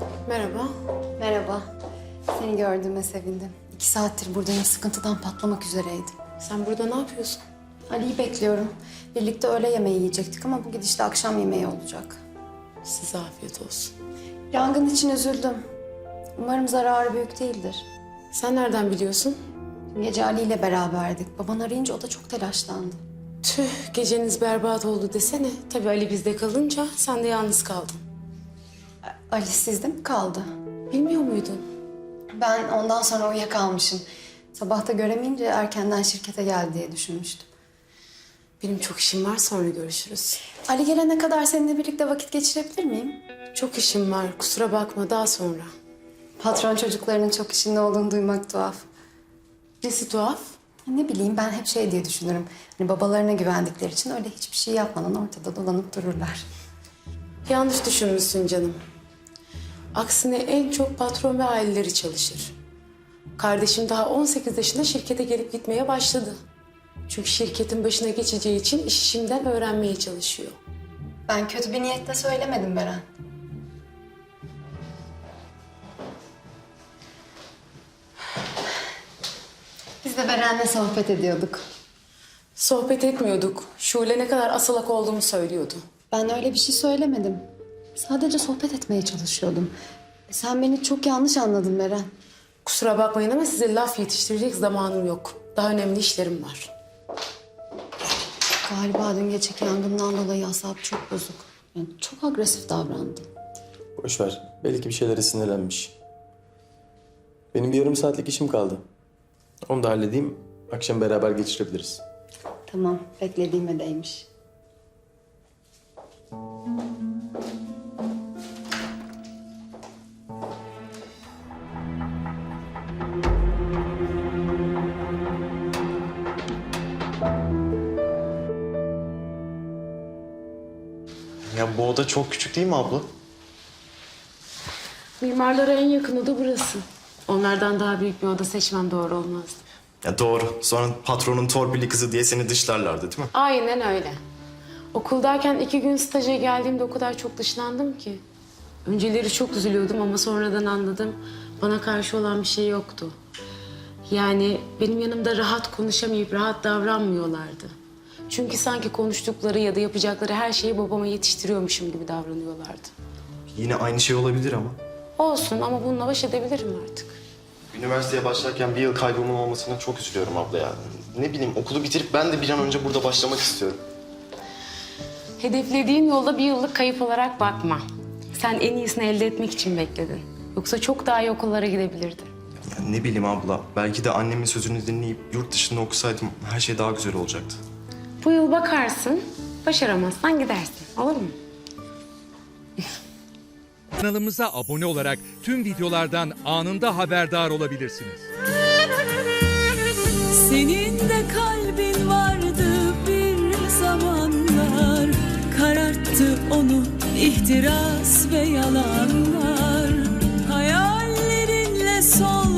Merhaba. Merhaba. Seni gördüğüme sevindim. 2 saattir buradayım. Sıkıntıdan patlamak üzereydim. Sen burada ne yapıyorsun? Ali'yi bekliyorum. Birlikte öğle yemeği yiyecektik ama bu gidişle akşam yemeği olacak. Size afiyet olsun. Yangın için üzüldüm. Umarım zararı büyük değildir. Sen nereden biliyorsun? Dün gece Ali ile beraberdik. Baban arayınca o da çok telaşlandı. Tüh, geceniz berbat oldu desene. Tabii Ali bizde kalınca sen de yalnız kaldın. Ali sizde mi kaldı? Bilmiyor muydun? Ben ondan sonra uyuyakalmışım. Sabahta göremeyince erkenden şirkete geldi diye düşünmüştüm. Benim çok işim var, sonra görüşürüz. Ali gelene kadar seninle birlikte vakit geçirebilir miyim? Çok işim var, kusura bakma, daha sonra. Patron çocuklarının çok işinde olduğunu duymak tuhaf. Nesi tuhaf? Ne bileyim ben hep şey diye düşünürüm. Hani babalarına güvendikleri için öyle hiçbir şey yapmadan ortada dolanıp dururlar. Yanlış düşünmüşsün canım. Aksine en çok patron ve aileleri çalışır. Kardeşim daha 18 yaşında şirkete gelip gitmeye başladı. Çünkü şirketin başına geçeceği için işi şimdiden öğrenmeye çalışıyor. Ben kötü bir niyetle söylemedim Beren. Biz de Beren'le sohbet ediyorduk. Sohbet etmiyorduk. Şule ne kadar asalak olduğumu söylüyordu. Ben öyle bir şey söylemedim. Sadece sohbet etmeye çalışıyordum. Sen beni çok yanlış anladın Beren. Kusura bakmayın ama size laf yetiştirecek zamanım yok. Daha önemli işlerim var. Galiba dün geceki yangından dolayı asabı çok bozuk. Yani çok agresif davrandı. Boş ver. Belki bir şeylere sinirlenmiş. Benim bir yarım saatlik işim kaldı. Onu da halledeyim. Akşam beraber geçirebiliriz. Tamam, beklediğime değmiş. Ya bu oda çok küçük değil mi abla? Mimarlara en yakın oda burası. Onlardan daha büyük bir oda seçmem doğru olmazdı. Ya doğru. Sonra patronun torpilli kızı diye seni dışlarlardı değil mi? Aynen öyle. Okuldayken 2 gün staja geldiğimde o kadar çok dışlandım ki. Önceleri çok üzülüyordum ama sonradan anladım. Bana karşı olan bir şey yoktu. Yani benim yanımda rahat konuşamayıp rahat davranmıyorlardı. Çünkü sanki konuştukları ya da yapacakları her şeyi babama yetiştiriyormuşum gibi davranıyorlardı. Yine aynı şey olabilir ama. Olsun ama bununla baş edebilirim artık. Üniversiteye başlarken bir yıl kaybımın olmasına çok üzülüyorum abla ya. Ne bileyim okulu bitirip ben de bir an önce burada başlamak istiyorum. Hedeflediğin yolda bir yıllık kayıp olarak bakma. Sen en iyisini elde etmek için bekledin. Yoksa çok daha iyi okullara gidebilirdin. Ya ne bileyim abla. Belki de annemin sözünü dinleyip yurt dışında okusaydım her şey daha güzel olacaktı. Bu yıl bakarsın, başaramazsan gidersin. Olur mu? Kanalımıza abone olarak tüm videolardan anında haberdar olabilirsiniz. Senin de kalbin vardı bir zamanlar, kararttı onu ihtiras ve yalanlar. Hayallerinle sol